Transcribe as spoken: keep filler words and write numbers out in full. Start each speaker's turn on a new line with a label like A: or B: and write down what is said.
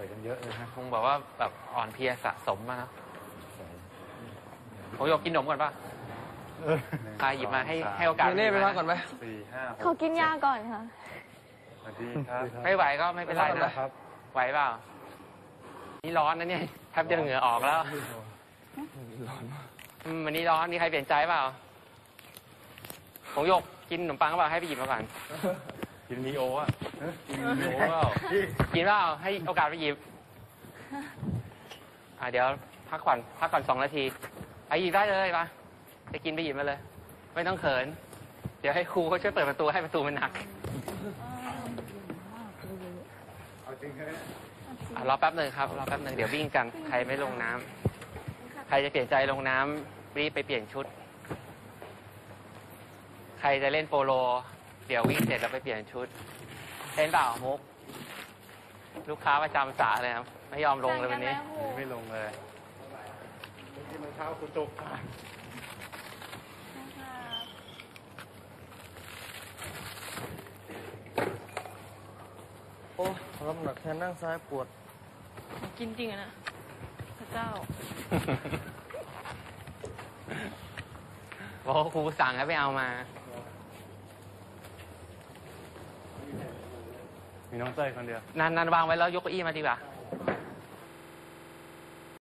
A: อยกันเยอะเลยฮะ
B: คงบอกว่าแบบอ่อนเพลียสะสมมานะผมอยากกินขนมก่อนป่ะใครหยิบมาให้ให้โอกาส
C: เน่ไปพักก่อนไหม
A: สี่ห้าหก
D: เขากินยาก่อนค่ะ
A: สวัสดีครับ
B: ไม่ไหวก็ไม่เป็นไรนะครับไหวเปล่านี่ร้อนนะเนี่ยแทบจะเหงื่อออกแล้ววันนี้ร้อนนี่ใครเปลี่ยนใจเปล่าผมยกกินขนมปังก็เปล่าให้ไปหยิบมาก่อน
A: กินมีโออ่ะกินมีโอเปล่า
B: กินเปล่าให้โอกาสไปหยิบอ่าเดี๋ยวพักก่อนพักก่อนสองนาทีไปหยิบได้เลยป่ะจะกินไปหยิบมาเลยไม่ต้องเขินเดี๋ยวให้ครูเขาช่วยเปิดประตูให้ประตูมันหนักรอแป๊บหนึ่งครับรอแป๊บหนึ่งเดี๋ยววิ่งกันใครไม่ลงน้ำใครจะเปลี่ยนใจลงน้ำรีบไปเปลี่ยนชุดใครจะเล่นโปโลเดี๋ยววิ่งเสร็จแล้วไปเปลี่ยนชุดเล่นเปล่ามุกลูกค้าประจำสาเลยครับไม่ยอมลงเลยวันนี้
A: ไม่ลงเลยกินรองเท้าคุณตุกค่ะ
C: โอ้รับหนักแทนนั่งซ้ายปวด
D: กินจริงอะนะพระเจ้า
B: บอกครูสั่งให้ไปเอามา
A: มีน้องเต้ยคนเดียว
B: นันนันวางไว้แล้วยกเก้าอี้มาดีกว่า